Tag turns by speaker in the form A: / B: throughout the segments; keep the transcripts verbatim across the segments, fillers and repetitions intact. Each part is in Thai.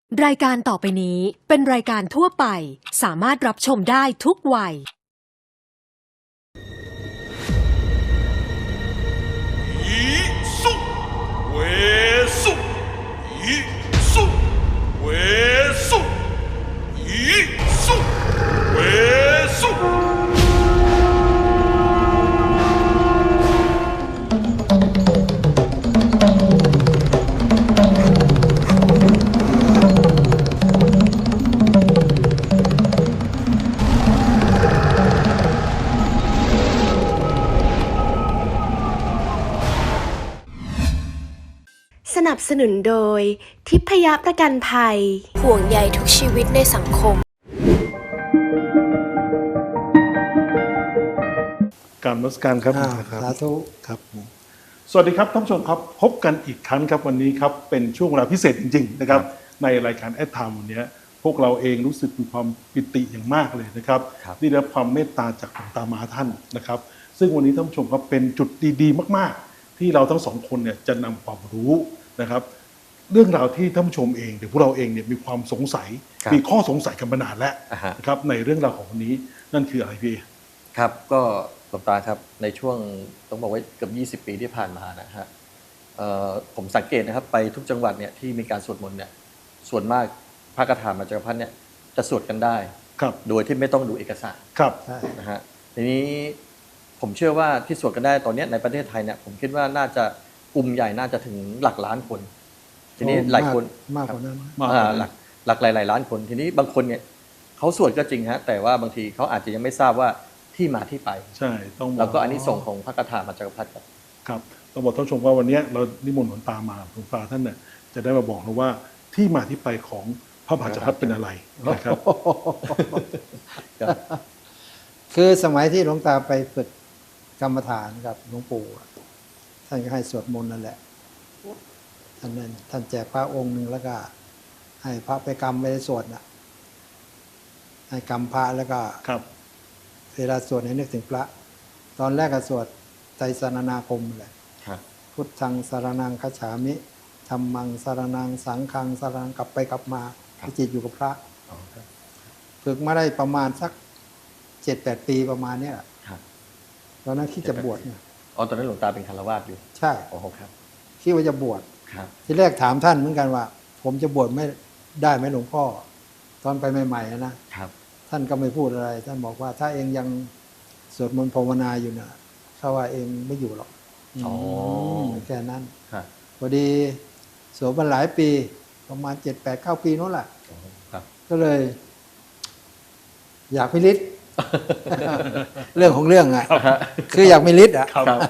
A: รายการต่อไปนี้เป็นรายการทั่วไปสามารถรับชมได้ทุกวัย
B: อีสุเวสุอีสุเวสุอีสุเวสุ
C: สนับสนุนโดยทิพยประกันภัยห่วงใยทุกชีวิตในสังคม
B: การนมัสการครับ
D: สาธุ
B: ครับสวัสดีครับท่านผู้ชมครับพบกันอีกครั้งครับวันนี้ครับเป็นช่วงเวลาพิเศษจริงๆนะครับในรายการแอดไทม์วันนี้พวกเราเองรู้สึกมีความปิติอย่างมากเลยนะครับที่ได้รับความเมตตาจากหลวงตามหาท่านนะครับซึ่งวันนี้ท่านผู้ชมครับเป็นจุดดีๆมากๆที่เราทั้งสองคนเนี่ยจะนำความรู้นะครับเรื่องราวที่ท่านผู้ชมเองหรือพวกเราเองเนี่ยมีความสงสัยมีข้อสงสัยกันมานานแล้วนะครับในเรื่องราวของวันนี้นั่นคืออะไรพี่
E: ครับก็หลวงตาครับในช่วงต้องบอกว่าเกือบยี่สิบปีที่ผ่านมานะฮะผมสังเกตนะครับไปทุกจังหวัดเนี่ยที่มีการสวดมนต์เนี่ยส่วนมากพระคาถามาจักรพรรดิเนี่ยจะสวดกันได้โดยที่ไม่ต้องดูเอกสาร
B: ครับ
E: นะฮะทีนี้ผมเชื่อว่าที่สวดกันได้ตอนนี้ในประเทศไทยเนี่ยผมคิดว่าน่าจะกลุ่มใหญ่น่าจะถึงหลักล้านคนทีนี้หลายคน
D: มากกว่านั้น
E: หลักหลักหลายๆล้านคนทีนี้บางคนเนี่ยเขาสวดก็จริงฮะแต่ว่าบางทีเขาอาจจะยังไม่ทราบว่าที่มาที่ไป
B: ใช่ต้อง
E: แล้วก็อันนี้ส่งของพระคาถามาจักรพรรดิครับ
B: ครับต้องบอกท่านผู้ชมว่าวันนี้เรานิมนต์หลวงตามาหลวงตาท่านเนี่ยจะได้มาบอกเราว่าที่มาที่ไปของพระมหาจักรพรรดิเป็นอะไรนะครับ
D: คือสมัยที่หลวงตาไปฝึกกรรมฐานกับหลวงปู่ท่านก็ให้สวดมนต์นั่นแหละท่านนั้นท่านแจกพระองค์หนึ่งแล้วก็ให้พระไปกรรมไปสวดน่ะให้กรรมพระแล้วก็
B: ครับ
D: เวลาสวดให้นึกถึงพระตอนแรกก็สวดไตรสรณาคมเลยพุทธังสรณังคัจฉามิธัมมังสรณังสังฆังสรณังกลับไปกลับมาจิตอยู่กับพระฝึกมาได้ประมาณสักเจ็ดแปดปีประมาณนี้แหละตอนนั้นคิดจะบวชเนี่ย
E: อ๋อตอนนั้นหลวงตาเป็นคฤหัสถ์อยู่
D: ใช่
E: โอ้โหครับ
D: คิดว่าจะบวชที่แรกถามท่านเหมือนกันว่าผมจะบวชไม่ได้ไหมหลวงพ่อตอนไปใหม่ๆนะครับท่านก็ไม่พูดอะไรท่านบอกว่าถ้าเองยังสวดมนต์ภาวนาอยู่เนี่ยเขาว่าเองไม่อยู่หรอก
E: อ๋อ
D: แค่นั้นพอดีสวดมาหลายปีประมาณเจ็ดแปดเก้าปีนู้นแหละก็เลย อยากมีฤทธิ์เรื่องของเรื่องไงคืออยากมีฤทธิ์อ่ะ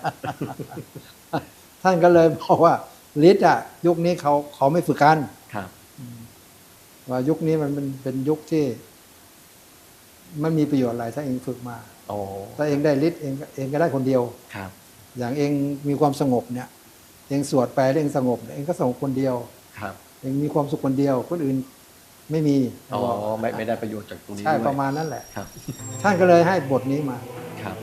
D: ท่านก็เลยบอกว่าฤทธิ์อ่ะยุคนี้เขาเขาไม่ฝึกกันว่ายุคนี้มันเป็นเป็นยุคที่มันมีประโยชน์อะไรถ้าเองฝึกมาถ้าเองได้ฤทธิ์เองเองก็ได้คนเดียวอย่างเองมีความสงบเนี่ยเองสวดไปแล้วเองสงบเองก็สงบคนเดียวเองมีความสุขคนเดียวคนอื่นไม่มี
E: อ๋อไม่ไม่ได้ประโยชน์จากตรงนี้
D: ใช่ประมาณนั้นแหละท่านก็เลยให้บทนี้มา
E: ครับ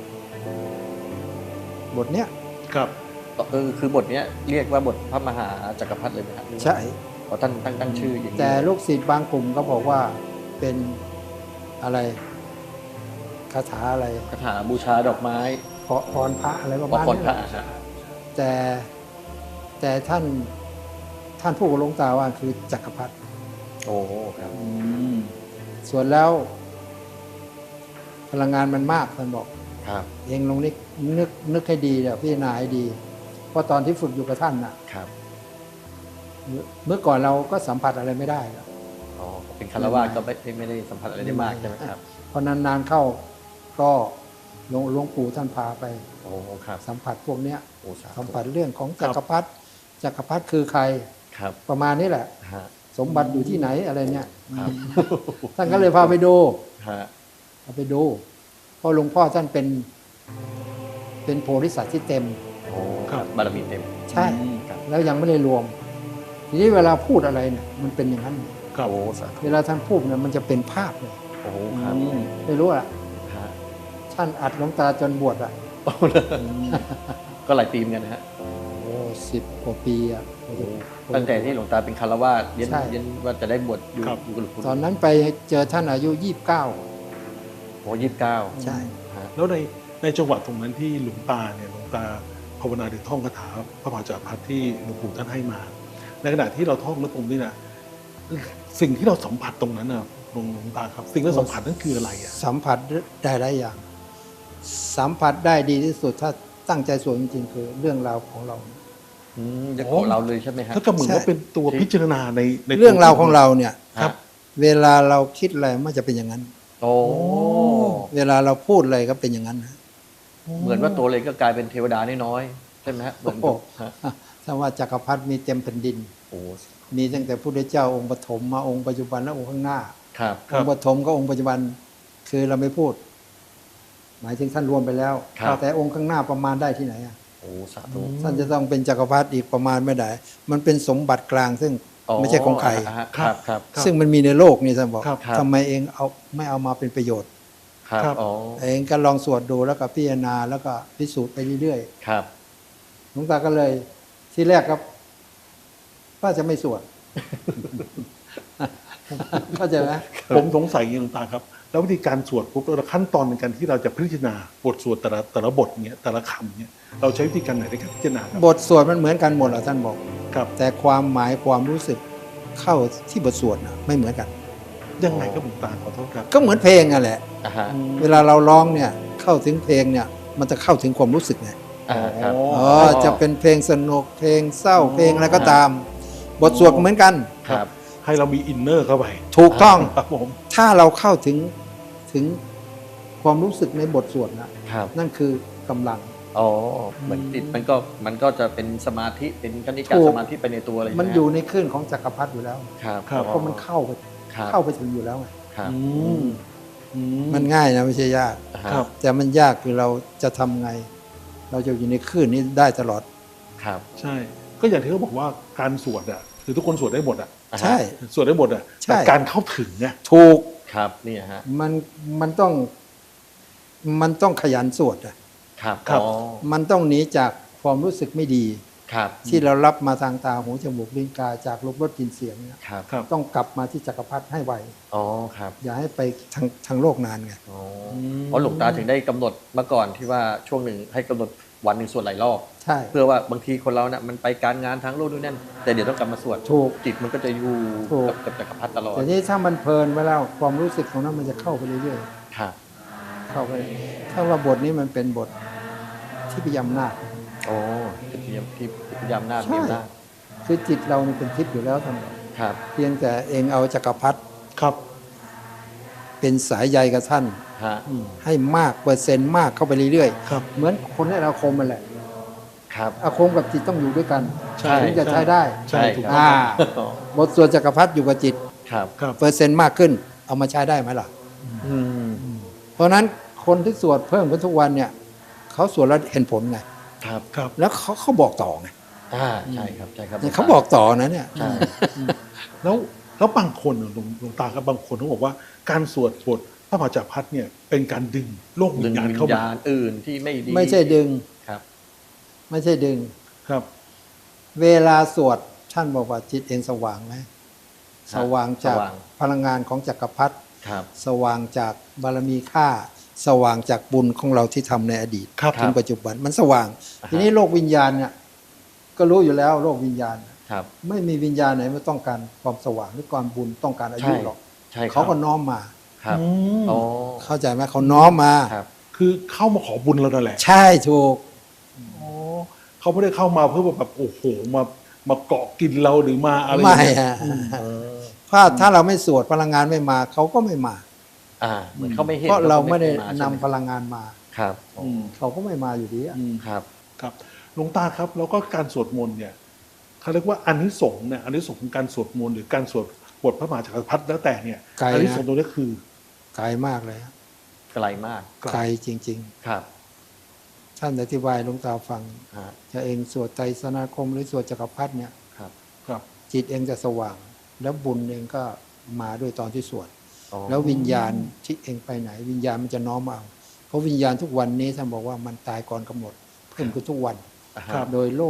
D: บทเนี้ย
B: ครับ
E: เออคือบทเนี้ยเรียกว่าบทพระมหาจักรพรรดิเลยไหมครับ
D: ใช่
E: เพราะท่านตั้งตั้งชื่ออย่างนี้
D: แต่ลูกศิษย์บางกลุ่มก็บอกว่าเป็นอะไรคาถาอะไร
E: คาถาบูชาดอกไม้
D: พรพรพระอะไรประมาณ
E: นี้
D: แต่แต่ท่านท่านผู้หลวงตาว่าคือจักรพรรดิ
E: โอ้ครับ
D: ส่วนแล้วพลังงานมันมากท่านบอก
E: ครับ
D: เองลองนึกนึกนึกให้ดีเดี๋ยวพิจารณาให้ดีเพราะตอนที่ฝึกอยู่กับท่านน่ะ
E: ครับ
D: เมื่อก่อนเราก็สัมผัสอะไรไม่ได้
E: อ๋อเป็นคฤหัสถ์ก็ไม่ไม่ได้สัมผัสอะไรได้มากใช่ไหมครับ
D: พอนานๆเข้าก็หลวงหลวงปู่ท่านพาไป
E: โอ้ครับ
D: สัมผัสพวกเนี้ยสัมผัสเรื่องของจักรพรรดิจักรพรรดิคือใครประมาณนี้แหละสมบัติอยู่ที่ไหนอะไรเนี่ยท่านก็เลยพาไปดูพาไปดูเพราะหลวงพ่อท่านเป็นเป็นโพธิสัตว์ที่เต็ม
E: บารมีเต็ม
D: ใช่แล้วยังไม่ได้รวมทีนี้เวลาพูดอะไรเนี่ยมันเป็นอย่างนั้นเวลาท่านพูดเนี่ยมันจะเป็นภาพเลย
E: โอ้ครับ
D: ไม่รู้อ่ะท่านอัดหลวงตาจนบวชอ่ะ
E: ก็หลายปีเหมือนกันนะฮะ
D: โอ้สิบกว่าปีอ่ะ
E: ตั้งแต่ที่หลวงตาเป็นคารวาสเรียน
D: ใช่
E: เรียนว่าจะได้บวชอยู่
B: ครับ
E: อยู่กับหลวงปู่
D: ตอนนั้นไปเจอท่านอายุยี่สิบเก้า
E: โอ้ยี่สิบเก้า
D: ใช่
B: แล้วในในจังหวะตรงนั้นที่หลวงตาเนี่ยหลวงตาภาวนาหรือท่องคาถาพระมหาจักรพรรดิที่หลวงปู่ท่านให้มา ในขณะที่เราท่องแล้วตรงนี้นะสิ่งที่เราสัมผัสตรงนั้นนะหลวงหลวงตาครับ สิ่งที่เราสัมผัสนั่นคืออะไรอ่ะ
D: สัมผัสได้หลายอย่าง สัมผัสได้ดีที่สุดถ้าตั้งใจสวดจริงๆคือเรื่องราวของเรา
E: อืมจะของเราเลยใช่ไหมฮะ
B: ถ้าก็เหมือนว่าเป็นตัวพิจารณาในใน
D: เรื่องราวของเราเนี่ย
E: ครับ
D: เวลาเราคิดอะไรมันจะเป็นอย่างนั้น
E: โอ้
D: เวลาเราพูดอะไรก็เป็นอย่างนั้นนะ
E: เหมือนว่าตัวเลยก็กลายเป็นเทวดาน้อยๆใช่ไหมฮะเหมือนกับฮะ
D: ถ้าว่าจักรพรรดิมีเต็มแผ่นดิน
E: โอ้
D: มีตั้งแต่พระพุทธเจ้าองค์ปฐมมาองค์ปัจจุบันและองค์ข้างหน้า
E: ครับ
D: องค์ปฐมก็องค์ปัจจุบันคือเราไม่พูด หมายถึงท่านรวมไปแล้ว
E: ครับ
D: แต่องค์ข้างหน้าประมาณได้ที่ไหนอะ
E: โอ้สาธุ
D: ท่านจะต้องเป็นจักรพรรดิอีกประมาณไม่ได้ มันเป็นสมบัติกลางซึ่งไม่ใช่ของใคร
E: อ่าฮะครับครับ
D: ซึ่งมันมีในโลกนี่ท่านบอก
B: ครับ
E: ครับ
D: ทำไมเองเอาไม่เอามาเป็นประโยชน์
E: ครับ
B: ครับ
E: อ๋อ
D: เองก็ลองสวดดูแล้วก็พิจารณาแล้วก็พิสูจน์ไปเรื่อย
E: ครับ
D: ๆหลวงตาก็เลย ที่แรกครับว่าจะไม่สวด เข้าใจไหม
B: ผมสงสัยอย่างนี้หลวงตาครับ แล้ววิธีการสวดปุ๊บแล้วขั้นตอนในการที่เราจะพิจารณาบทสวดแต่ละแต่ละบทเนี้ยแต่ละคำเนี้ยเราใช้วิธีการไหนในการพิจารณาครับ
D: บทสวดมันเหมือนกันหมดแหละท่านบอก
B: ครับ
D: แต่ความหมายความรู้สึกเข้าที่บทสวดนะไม่เหมือนกัน
B: ยังไงครับหลวงตาขอโทษครับ
D: ก็เหมือนเพลงนั่นแหละ
E: อ่าฮะ
D: เวลาเราร้องเนี่ยเข้าถึงเพลงเนี่ย มันจะเข้าถึงความรู้สึกไง
E: อ่าครับ
D: อ๋อจะเป็นเพลงสนุกเพลงเศร้าเพลงอะไรก็ตาม บทสวดก็เหมือนกัน
E: ครับ
B: ให้เรามีอินเนอร์เข้าไป
D: ถูกต้อง
B: ครับผม
D: ถ้าเราเข้าถึงถึงความรู้สึกในบทสวดนะครับ นั่นคือกำลัง
E: อ๋อเหมือนจิตมันก็มันก็จะเป็นสมาธิเป็นกนิกา
D: ถูก
E: สมาธิไปในตัวเลย
D: มัน
E: ใช่ไห
D: อยู่ในคลื่นของจักรพรรดิอยู่แล้ว
E: ครับ
B: ครับ
D: เพราะมันเข้าไป
E: ครับ
D: เข้าไปถึงอยู่แล้วไง
E: ครับ
B: อืมอื
D: มันง่ายนะไม่ใช่ยาก
E: อ่าฮะ
B: ครับ
D: แต่มันยากคือเราจะทำไง เราจะอยู่ในคลื่นนี้ได้ตลอด
E: ครับ
B: ใช่ ก็อย่างที่เขาบอกว่าการสวดอ่ะคือทุกคนสวดได้หมดอ่ะ
E: อ่าฮะ
D: ใช่
B: สวดได้หมดอ่ะ
D: ใช่
B: แต่การเข้าถึงเนี่ย
D: ถูก
E: ครับนี่ฮะ
D: มันมันต้องมันต้องขยันสวดอะ
E: ครับ
B: ครับ
E: อ๋อ
D: มันต้องหนีจากความรู้สึกไม่ดี
E: ครับ
D: ที่เรารับมาทางตาหูจมูกลิ้นกายจากรูปรสกลิ่นเสียงเนี่ย
E: ครับ
B: ครับ
D: ต้องกลับมาที่จักรพรรดิให้ไว
E: อ๋อครับ
D: อย่าให้ไปทางทางโลกนานไง
E: อ๋อ
B: ม
E: เพราะหลวงตาถึงได้กำหนดเมื่อก่อนที่ว่าช่วงหนึ่งให้กำหนดวันหนึ่งสวดหลายรอบ
D: ใช่
E: เพื่อว่าบางทีคนเราเนี่ยมันไปการงานทางโลกนู่นนั่นแต่เดี๋ยวต้องกลับมาสวด
D: ถูก
E: จิตมันก็จะอยู่
D: ถูก
E: กับกับจักรพรรดิตลอด
D: แต่นี่ถ้ามันเพลินไปแล้วความรู้สึกของนั้นมันจะเข้าไปเรื่อย
E: ครับ
D: ๆเข้าไป ถ้าว่าบทนี้มันเป็นบทที่พยายามนาค
E: โอ้จิตพยายามที่พยายามหน้า
D: ใช่
E: พยายามหน้า
D: คือจิตเรานี่เป็นทิพย์อยู่แล้วท่านบอก
E: ครับ
D: เพียงแต่เองเอาจักรพรรดิ
B: ครับ
D: เป็นสายใยกับท่าน
E: ฮะ
B: อืม
D: ให้มากเปอร์เซ็นต์มากเข้าไปเรื่อย
B: ครับ
D: ๆ เหมือนคนเล่นอาคมมันแหละ
E: ครับ
D: อาคมกับจิตต้องอยู่ด้วยกัน
B: ใช่
D: ถึงจะใช้ได้
B: ใช่ถูก
E: ครับ
D: อ่า
E: อ๋อบ
D: ทสวดจักรพรรดิอยู่กับจิต
E: ครับ
B: ครับ
D: เปอร์เซ็นต์มากขึ้น เอามาใช้ได้ไหมล่ะ
E: อืม
D: เพราะฉะนั้นคนที่สวดเพิ่มขึ้นทุกวันเนี่ยเขาสวดแล้วเห็นผลไง
E: ครับ
B: ครับ
D: แล้วเขาเขาบอกต่อไง
E: อ่าใช่ครับใช่ครับ
D: เนี่ยเขาบอกต่อนะเนี่ย
E: ใช่
B: แล้วแล้วบางคนน่ะหลวงหลวงตาครับบางคนเขาบอกว่าการสวดบทพระมหาจักรพรรดิเนี่ยเป็นการดึงโลกวิ
E: ดึง
B: ญญาณ
E: วิญ
B: เข้ามา
E: ญาณอื่นที่ไม่ดี
D: ไม่ใช่ดึง
E: ครับ
D: ไม่ใช่ดึง
B: ครับ
D: เวลาสวดท่านบอกว่าจิตเองสว่างไหมสว่างจาก
E: สว่าง
D: พลังงานของจักรพรรดิ
E: ครับ
D: สว่างจากบารมีค่า สว่างจากบุญของเราที่ทำในอดีต
B: ครับ
D: ถึงปัจจุบันมันสว่าง
E: อ่าฮะ
D: ทีนี้โลกวิญญาณเนี่ยก็รู้อยู่แล้วโลกวิญญาณ
E: ครับ
D: ไม่มีวิญญาณไหนไม่ต้องการความสว่างหรือความบุญต้องการอายุ
E: ใช่
D: หรอก
E: ใช่ครับ
D: เขาก็น้อมมา
E: ครับ
B: อืม
E: อ๋อ
D: เข้าใจไหมเขาน้อมมา
E: ครับ
B: คือเข้ามาขอบุญเรานั่นแหละ
D: ใช่ถูก
B: อ๋อเขาไม่ได้เข้ามาเพื่อแบบโอ้โหมามาเกาะกินเราหรือมาอะไร
D: ไม่
B: อย่างเงี้ย
D: ฮะ
E: เออ
D: ถ้าถ้าเราไม่สวดพลังงานไม่มาเขาก็ไม่มา
E: อ่าเหมือนเขาไม่เห็น
D: เพราะเราไม่ได้
E: ขก็
D: นำ
E: ใช่ห
D: พลังงานมา
E: ครับ
B: อืม
D: เขาก็ไม่มาอยู่ดีอะ
B: อืม
E: ครับ
B: ครับหลวงตาครับแล้วก็การสวดมนต์เนี่ยเขาเรียกว่าอานิสงส์เนี่ยอานิสงส์ของการสวดมนต์หรือการสวดบทพระมหาจักรพรรดิแล้วแต่เนี่ย
D: ไกล
B: อานิสง
D: นะ
B: ส์ตรงนี้คือ
D: ไกลมากเลยฮะ
E: ไกลมาก
D: ไกลจริง
E: ครับ
D: ๆ ท่านอธิบายหลวงตาฟัง
E: ฮะ
D: จะเองสวดไตรสนาคมหรือสวดจักรพรรดิเนี่ย
E: ครับ
B: ครับ
D: จิตเองจะสว่าง แล้วบุญเองก็มาด้วยตอนที่สวด
E: อ๋อ
D: แล้ววิญญาณที่เองไปไหน วิญญาณมันจะน้อมเอาเพราะวิญญาณทุกวันนี้ท่านบอกว่ามันตายก่อนกำหนดเพิ่มขึ้นทุกวัน
E: อ่าฮะ
B: ครับ
D: โดยโลกนี่แหละ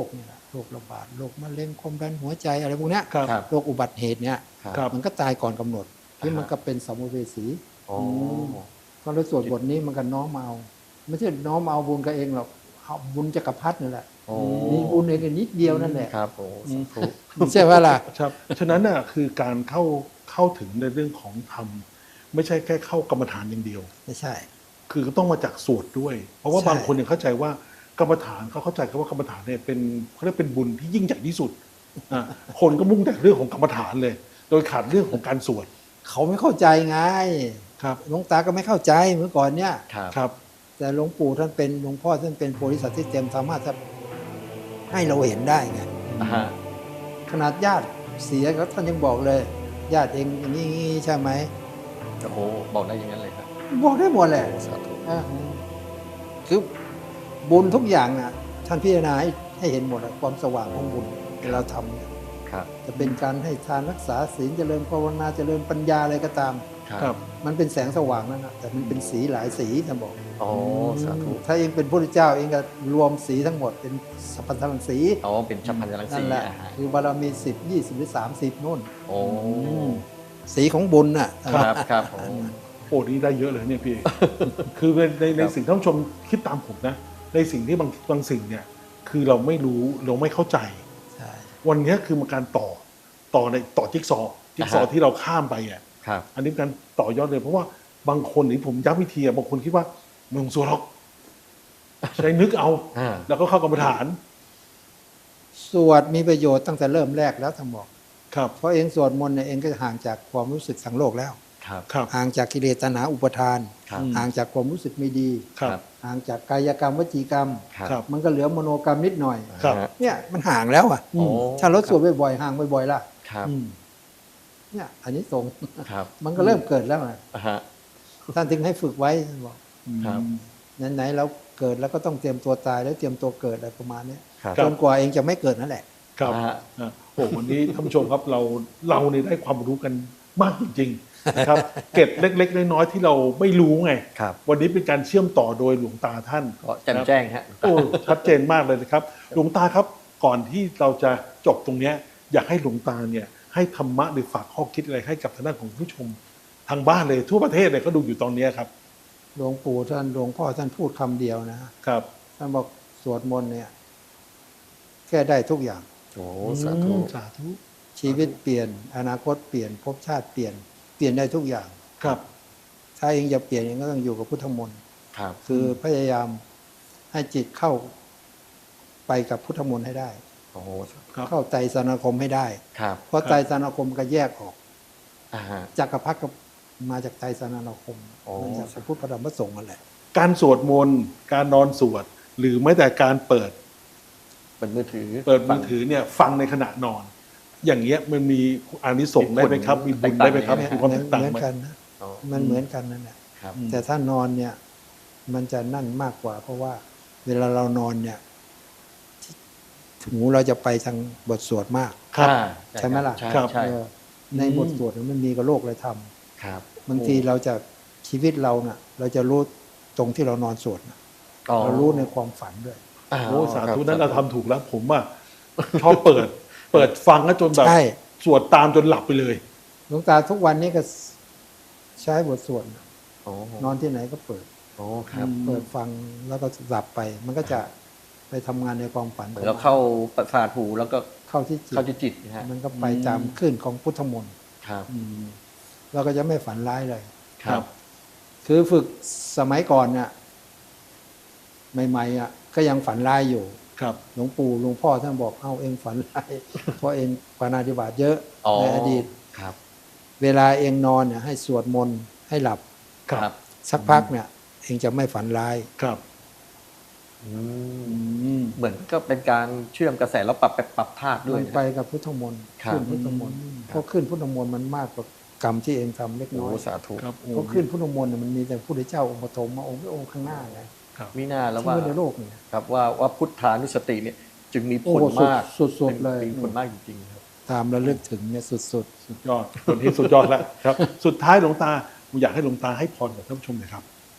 D: โรคระบาดโรคมะเร็งความดันหัวใจอะไรพวกเนี้ย
B: ครับ
E: ครับ
D: โรคอุบัติเหตุเนี่ย
E: ครับ
B: ครับ
D: มันก็ตายก่อนกำหนดที่
E: อ่าฮะ
D: มันก็เป็นสัมภเวสี
E: โอ้
D: พอเราสวดบทนี้มันก็น้อมเอาไม่ใช่น้อมเอาบุญกับเองหรอกเอาบุญจักรพรรดินั่นแหละ
E: โอ้
D: มีบุญเองนิดเดียวนั่นแหละ
E: ครับโอ้สาธุ
D: ใช่ไหมล่ะ
B: ครับฉะนั้นน่ะคือการเข้าเข้าถึงในเรื่องของธรรมไม่ใช่แค่เข้ากรรมฐานอย่างเดียว
D: ไม่ใช่
B: คือก็ต้องมาจากสวดด้วย เพราะว่า
D: ใช่
B: บางคนยังเข้าใจว่ากรรมฐานเขาเข้าใจกันว่ากรรมฐานเนี่ยเป็นเขาเรียกเป็นบุญที่ยิ่งใหญ่ที่สุดอ่ะคนก็มุ่งแต่เรื่องของกรรมฐานเลย โดยขาดเรื่องของการสวด
D: เขาไม่เข้าใจไง
B: ครับ
D: หลวงตาก็ไม่เข้าใจเมื่อก่อนเนี่ย
E: ครับ
B: ครับ
D: แต่หลวงปู่ท่านเป็นหลวงพ่อท่านเป็นโพธิสัตว์ที่เต็มสามารถจะให้เราเห็นได้ไง
E: อ่าฮะ
D: ขนาดญาติเสียก็ท่านยังบอกเลย ญาติเองอย่างนี้ใช่ไหม
E: โอ้โหบอกได้อย่างนั้นเลยครับ
D: บอกได้หมดแหละ
E: โอ้สาธุ
D: อ่ะคือบุญทุกอย่างน่ะ ท่านพิจารณาให้ให้เห็นหมดอะความสว่างของบุญเวลาทำเนี่ย
E: ครับ
D: จะเป็นการให้ทานรักษาศีลเจริญภาวนาเจริญปัญญาอะไรก็ตาม
B: ครับ
D: มันเป็นแสงสว่างนั่นนะแต่มันเป็นสีหลายสีท่านบอก
E: โอ้สาธุ
D: ถ้าเองเป็นพระพุทธเจ้าเองก็รวมสีทั้งหมดเป็นสัพพันธรังสี
E: อ๋อเป็นชัพพันธรัง
D: นั่
E: สี
D: นแหละ
E: อ่าฮะ
D: คือบารมีสิบยี่สิบหรือสามสิบนู่น
E: โอ้
D: สีของบุญน่ะ
E: ครับครับโอ้
B: โอ้นี่ได้เยอะเลยเนี่ยพี่ คือในในในสิ่งที่ท่านผู้ชมคิดตามผมนะ ในสิ่งที่บางบางสิ่งเนี่ย คือเราไม่รู้เราไม่เข้าใจ
D: ใช่
B: วันนี้คือมันการต่อต่อในต่อจิ๊กซอว์จิ๊กซอว์ที่เราข้ามไปอ่ะ
E: ครับ
B: อันนี้เป็นการต่อยอดเลย เพราะว่าบางคนนี่ผมย้ำวิธีอะบางคนคิดว่ามึงสวดหรอกใช้นึกเอา
E: อ่า
B: แล้วก็เข้ากรรมฐาน
D: สวดมีประโยชน์ตั้งแต่เริ่มแรกแล้วท่านบอก
B: ครับ
D: เพราะเองสวดมนต์เนี่ยเองก็จะห่างจากความรู้สึกสังโลกแล้ว
E: ครับ
B: ครับ
D: ห่างจากกิเลสตัณหาอุปทาน
E: ครับ
D: ห่างจากความรู้สึกไม่ดี
B: ครับ
D: ห่างจากกายกรรมวจีกรรม
B: ครับ
D: มันก็เหลือมโนกรรมนิดหน่อย
B: ครับ
E: อ่าฮะ
D: เนี่ยมันห่างแล้วอ่ะ
E: โอ้
D: ถ้าเราสวดบ่อยๆห่างบ่อยๆล่ะ
E: ครับ
B: อืม
D: เนี่ยอันนี้ตรง
E: ครับ
D: มันก็เริ่มเกิดแล้วไง
E: อ่าฮะ
D: ท่านถึงให้ฝึกไว้ท่านบอก
E: ครับ
D: ไหนๆเราเกิดแล้วก็ต้องเตรียมตัวตายแล้วเตรียมตัวเกิดอะไรประมาณเนี้ย
E: ครับ
D: จนกว่าเองจะไม่เกิดนั่นแหละ
B: ครับ
E: อ่าฮะ
B: อ่ะโอ้วันนี้ท่านผู้ชมครับเราเราเนี่ยได้ความรู้กันมากจริงๆนะครับ เก็บเล็ก ๆ น้อยๆที่เราไม่รู้ไง
E: ครับ
B: วันนี้เป็นการเชื่อมต่อโดยหลวงตาท่าน
E: ก็แจ่มแจ้งฮะ
B: โอ้ชัดเจนมากเลยนะครับ หลวงตาครับก่อนที่เราจะจบตรงเนี้ยอยากให้หลวงตาเนี่ยให้ธรรมะหรือฝากข้อคิดอะไรให้กับทางด้านของผู้ชมทางบ้านเลยทั่วประเทศเลยเขาดูอยู่ตอนเนี้ยครับ
D: หลวงปู่ท่านหลวงพ่อท่านพูดคำเดียวนะครับ ท่านบอกสวดมนต์เนี่ยแก้ได้ทุกอย่าง
E: โอ้สาธุ
B: อืมสาธุ
D: ชีวิตเปลี่ยน อนาคตเปลี่ยนภพชาติเปลี่ยนเปลี่ยนได้ทุกอย่าง
B: ครับ
D: ถ้าเองจะเปลี่ยนเองก็ต้องอยู่กับพุทธมนต์
E: ครับ
D: คือพยายามให้จิตเข้าไปกับพุทธมนต์ให้ได้
E: โอ้
B: ครับ
D: เข้าไตรสรณคมให้ได้
E: ครับ
D: เพราะไตรสรณคมก็แยกออก
E: อ่าฮะ
D: จักรพรรดิก็มาจากไตรสรณคม
E: โอ้
D: มาจากพระพุทธพระธรรมพระสงฆ์นั่นแหละ
B: การสวดมนต์การนอนสวด หรือแม้แต่การเปิด
E: เปิดมือถือ
B: เปิดมือถือเนี่ยฟังในขณะนอน อย่างเงี้ยมันมีอานิสงส์ได้ไหมครับ มีบุญได้ไหมครับ
E: แตกต่าง
B: มีความ
D: เหมื
B: แต
D: อน
B: กต่าง
D: เหมือน
B: ไหม
D: กันนะ
E: อ๋อ
D: มันเหมือนกันนั่นแหละ
E: ครับ
B: อืม
D: แต่ถ้านอนเนี่ย มันจะนั่นมากกว่า เพราะว่า เวลาเรานอนเนี่ยหูเราจะไปทางบทสวดมาก
B: ครับ
E: อ่า
D: ใช่ไหมล่ะ
E: ใช่
B: ครับ
E: ใช่
D: เออในบทสวดมันมีกับโลกเลยท
E: ครับ
D: ำบางทีเราจะชีวิตเราเน่ะ เราจะรู้ตรงที่เรานอนสวดน่ะ
E: อ๋อ
D: เรารู้ในความฝันด้วย
E: า
B: โอ้สาธุ
E: คบ
B: นั้นเราทำถูกแล้ว ผมอ่ะชอบเปิด เปิดฟังแล้วจนแบบ
D: ใช่
B: สวดตามจนหลับไปเลย
D: หลวงตาทุกวันนี้ก็ใช้บทสวดน่ะ
E: โอ้
D: นอนที่ไหนก็เปิด
E: โอ้ครับ
B: อืม
D: เปิดฟังแล้วก็หลับไป มันก็จะไปทำงานในความฝัน
E: เหมือนเราเข้าประสาทหูแล้วก็
D: เข้าที่จิต
E: เข้าที่จิตนะฮะ
D: มันก็ไปตามคลื่นของพุทธมนต์
E: ครับ
B: อืม
D: เราก็จะไม่ฝันร้ายเลย
B: ครับ
D: คือฝึกสมัยก่อนเนี่ยใหม่ๆอ่ะก็ยังฝันร้ายอยู่
B: ครับ
D: หลวงปู่หลวงพ่อท่านบอกเอาเองฝันร้าย เพราะเองปาณาธิบาตเยอะ
E: อ๋อ
D: ในอดีต
E: ครับ
D: เวลาเองนอนเนี่ยให้สวดมนต์ให้หลับ
B: ครับ
D: สักพักเนี่ย เองจะไม่ฝันร้าย
B: ครับ
E: อืม
B: อืม
E: เหมือนก็เป็นการเชื่อมกระแสแล้วปรับไปปรับธาตุด้ว
D: มั
E: ย
D: น
E: นะ
D: ไปกับพุทธมนต์
E: ครับ
D: ขึ้นพุทธมนต์เพราะขึ้นพุทธมนต์มันมากกว่ากรรมที่เองทำเล็ก
E: โอ้
D: น้อย
E: สาธุ
B: ครับโอ้
D: เพราะขึ้นพุทธมนต์เนี่ยมันมีแต่พระพุทธเจ้าองค์ปฐมมาองค์ไม่องค์ข้างหน้าไง
E: มีหน้าแล้ว
D: ที่
E: ว่า
D: ว่าในโลกเนี่ย
E: ครับว่าว่าพุทธานุสติเนี่ย จึงมีผ
D: โอ้
E: ล
D: โหสุด
E: มาก
D: สุดๆเลย
E: มีผลมากจริงๆครับ
D: ตามระลึกถึงเนี่ยสุด
B: สุดยอดคนที่สุดยอดแล้วครับ สุดท้ายหลวงตาผมอยากให้หลวงตาให้พรกับท่านผู้ชมหน่อยครับ
D: ๆ เจ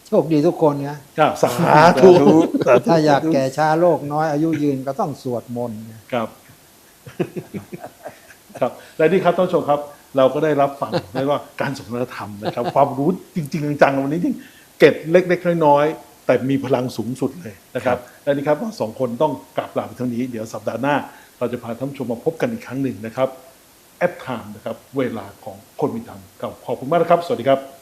D: โชคดีทุกคนนะ
B: ครับสาธุ
D: ถ้าอยากแก่ช้าโลกน้อยอายุยืนก็ต้องสวดมนต์
B: ครับครับและนี่ครับท่านผู้ชมครับ เราก็ได้รับฟังได้ว่าการสนทนาธรรมนะครับ ความรู้จริงๆจังๆวันนี้จริงเกร็ดเล็กๆน้อยๆแต่มีพลังสูงสุดเลยนะครับและนี่ครับเราสองคนต้องกลับลาไปเท่านี้เดี๋ยวสัปดาห์หน้า เราจะพาท่านผู้ชมมาพบกันอีกครั้งหนึ่งนะครับแอดไทม์นะครับเวลาของคนมีธรรมขอบคุณมากนะครับสวัสดีครับ